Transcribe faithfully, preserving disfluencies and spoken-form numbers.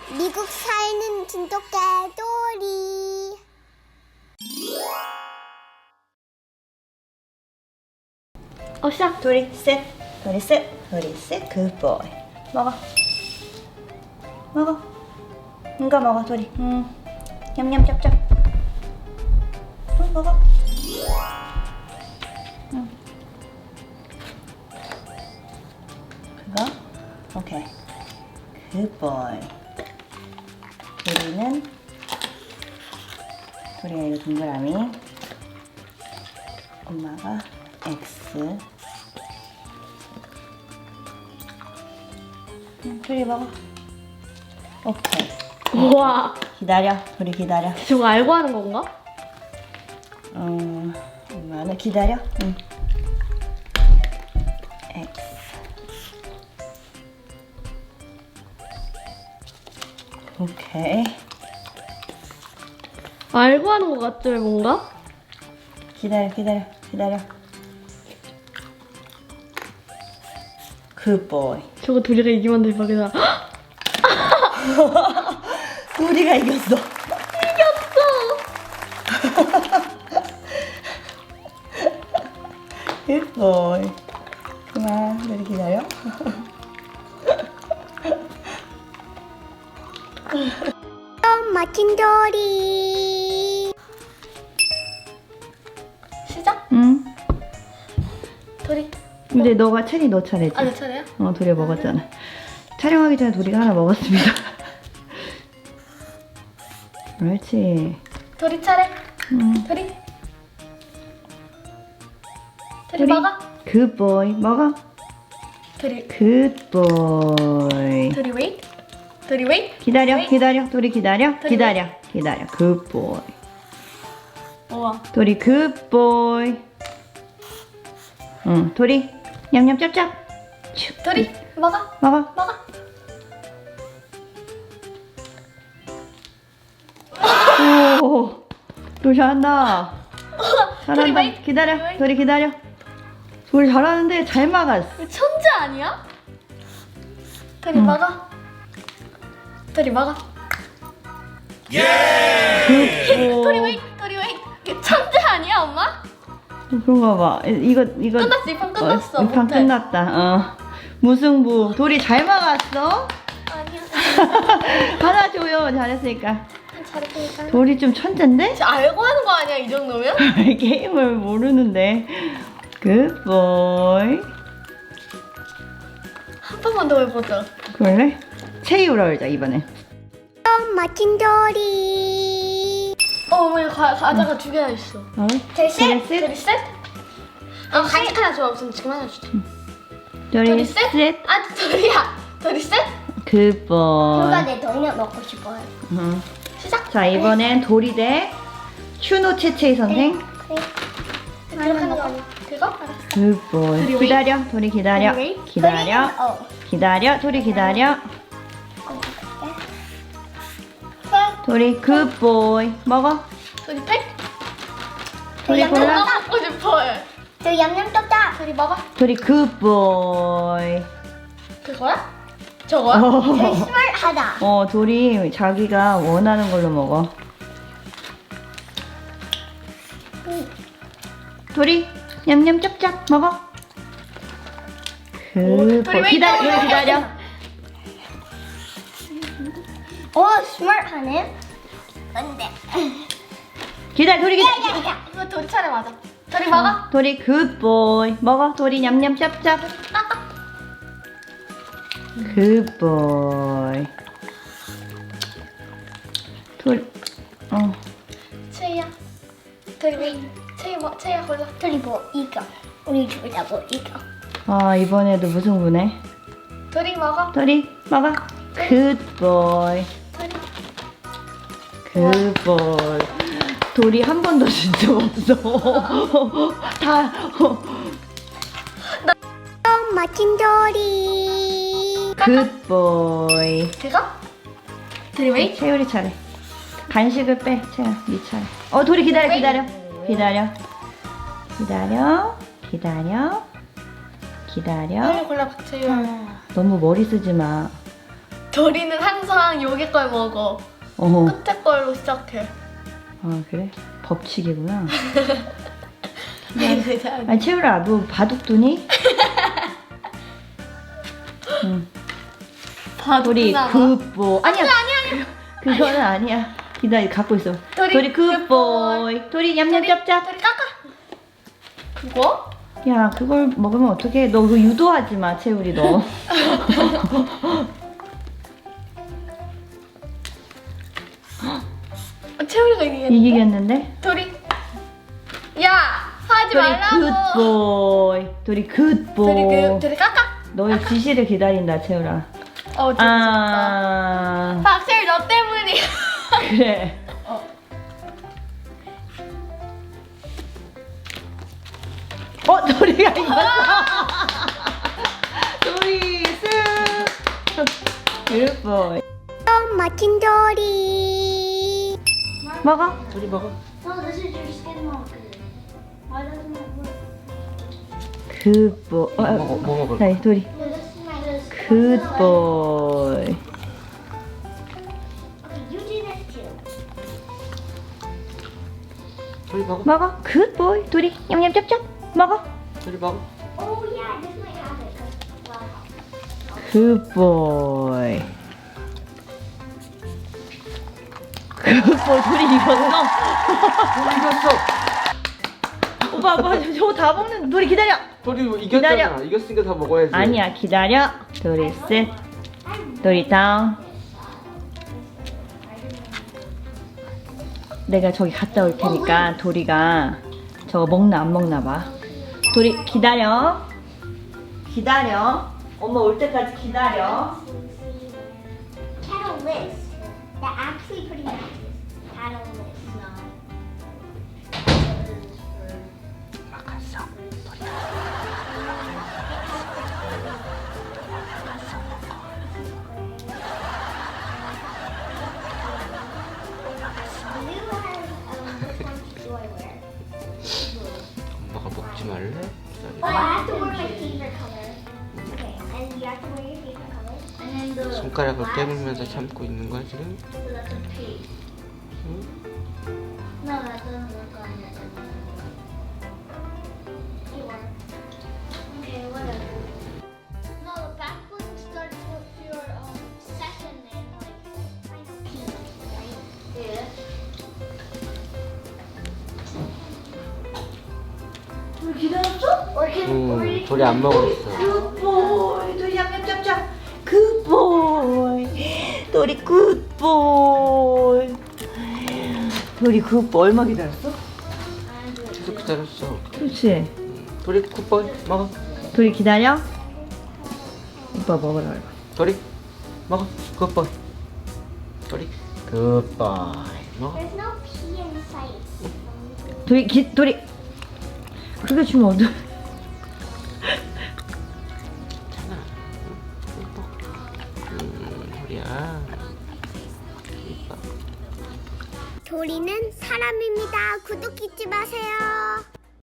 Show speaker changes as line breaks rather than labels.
미국 사는 진돗개돌이.
어, 시작.
도리 셋, 도리 셋, 도리 셋, 굿보이. 먹어. 먹어. 이거 먹어, 도리. 음. 냠냠 짭짭. 응, 먹어. 응. 그거? 오케이. 굿보이. 도리는 도리가 이거 동그라미. 엄마가 X. 응, 도리 먹어. 오케이.
우와.
기다려. 도리 기다려.
저거 알고 하는 건가?
어, 엄마는 기다려. 응. X. 오케이.
알고 하는 것 같죠, 뭔가?
기다려, 기다려, 기다려. 굿보이.
저거 둘이가 이기면 대박이다.
도리가 이겼어.
이겼어!
굿보이. 그만, 도리 기다려.
엄마 진돌이.
시작.
응.
도리.
근데 너가 체리 너 차례지?
아, 내 차례야?
어, 도리가 먹었잖아. 촬영하기 전에 도리가 하나 먹었습니다. 그렇지.
도리 차례.
응.
도리. 도리
도리.
먹어.
굿보이. 먹어.
도리.
굿보이.
도리 웨이. 도리 웨이.
기다려,
웨이.
기다려. 도리 기다려.
도리
기다려, 기다려. 굿보이.
우와.
도리 굿보이. 응, 도리. 냠냠 짭짭. 슉.
도리 먹어.
먹어.
먹어.
오, 도리 잘한다.
도리
잘한다.
웨이.
기다려.
도리 웨이.
도리 기다려. 도리 잘하는데 잘 막았어.
이거 천재 아니야? 도리
응.
먹어. 도리 먹어.
굿보이.
도리 웨이. 도리 웨이. 이거 천재 아니야, 엄마?
그런가 봐. 이거 이거
끝났어. 이 판 끝났어.
어, 이판
못해.
끝났다. 어. 무승부. 도리 잘 막았어.
아니야.
하나 줘요. 잘했으니까.
잘했으니까.
도리 좀 천재인데?
진짜 알고 하는 거 아니야, 이 정도면?
게임을 모르는데. 굿보이.
한 번만 더 해보자.
그럴래? 체이우라 그러자 이번에.
엄마 진돌이.
어, 어머니 과, 과자가 두 개나 있어.
어?
도리 셋.
도리
도리 셋? 아, 간식 하나 줘. 없으면 지금 하나 주자.
도리
도리 셋?
셋.
아, 도리야. 도리 셋?
누가
굿보이.
내 도리나 먹고 싶어요.
응.
시작.
자 이번엔 도리 대 휴노 채채이 선생.
이렇게 하는 거 아니야? 그거? 알았어.
굿보이.
도리
기다려. 도리 기다려.
도리 웨이?
기다려.
어.
기다려. 도리 기다려. 도리 굿보이. 먹어.
도리 팩?
도리
양념
골라.
엄마 먹고 싶어요.
저 얌얌 떴다.
도리 먹어.
도리 굿보이.
그거야? 저거야?
어,
스물하다.
어, 도리 자기가 원하는 걸로 먹어. 도리 냠냠 짭짭 먹어.
도리
굿보이.
왜
기다려.
이따
도리 기다려.
오 스물하네. 근데.
기다려. 도리 기다려.
야야야.
이거 도리 차례 맞아. 도리 먹어.
도리 굿보이. 먹어. 도리 냠냠 짭짭. 굿보이. 도리 어.
채희야. 도리 왜? 채희 뭐? 채희야 골라.
도리 뭐 이거. 우리 둘 다 뭐 이거.
아 이번에도 무승부네.
도리 먹어.
도리 먹어. 굿보이.
도리.
굿보이. 도리 한 번도 진 적 없어. 다.
엄마 진돌이.
굿보이.
그거? 도리 왜?
채율이 차례. 간식을 빼. 채율 네 차례. 어 도리 기다려 기다려. 기다려. 기다려. 기다려. 기다려.
빨리 골라 박채희.
너무 머리 쓰지 마.
도리는 항상 여기 걸 먹어.
어.
끝에 걸로 시작해.
아 그래? 법칙이구나. 아니 채율아 너 바둑두니? 응. 도리
바둑두나 봐.
굿보이. 아니야. 아니 아니. 그거는 아니야. 기다려 갖고 있어.
도리
도리 굿보이. 도리 냠냠 짭짭.
도리 깎아. 그거?
야 그걸 먹으면 어떡해? 너 그거 유도하지 마 채율이 너.
채우리가 이기겠는데?
이기겠는데?
도리. 야 하지
도리
말라고.
굿보이. 도리 굿보이.
도리 그 도리 깎아.
너의 지시를 기다린다 채율아.
어 좋다.
아
박세일 너 때문이야.
그래.
어.
어 도리가 이겼어. 도리 승. 굿보이.
또 멋진 도리.
먹어.
도리 먹어.
No, this is your skin marker. Why doesn't it work?
굿보이. 어,
먹어, 뭐 먹을
자 도리.
No, this is my this.
굿보이.
Okay, you do this too.
도리 먹어.
먹어. 굿보이. 도리 냠냠 짭짭. 먹어.
도리 먹어.
Oh yeah, this might have it. 'cause- well,
굿보이. 굿보이. 도리 이겼어.
도리 이겼어.
오빠 오빠 저거 다 먹는. 도리 기다려.
도리 이겼잖아.
기다려.
이겼으니까 다 먹어야지.
아니야 기다려. 도리 셋. 도리 다운. 내가 저기 갔다 올 테니까 도리가 저거 먹나 안 먹나 봐. 도리 기다려. 기다려. 엄마 올 때까지 기다려.
Cattle list. That actually pretty matches. Cattle list. No.
막았어.
Blue has um, which one do I wear?
엄마가 먹지 말래?
Oh, I have to wear my favorite color. Okay, and you have to wear your favorite color. And then the
손가락을
black-
깨물면서 참고 있는 거야 지금?
So that's a pig.
응?
No, that doesn't look on it. Sure. Okay, whatever. No, the back one starts with your um second name, like kind of P, right? Yeah.
도리 기다렸어?
Or can or
응.
you
도리 안 먹었어.
굿보이. 도리 냠냠 짭짭. 굿보이. 도리 굿보이. 도리 굿보이. 얼마 기다렸어?
계속 기다렸어.
그렇지.
도리 굿보이 먹어.
도리 기다려. 오빠 먹으라 그래.
도리 먹어. 굿보이. 도리 굿보이 먹어.
There's no P in sight.
도리 기 도리. 그게 주면 어떡해.
괜찮아. 응, 응, 음, 도리야. 이뻐.
도리는 사람입니다. 구독 잊지 마세요.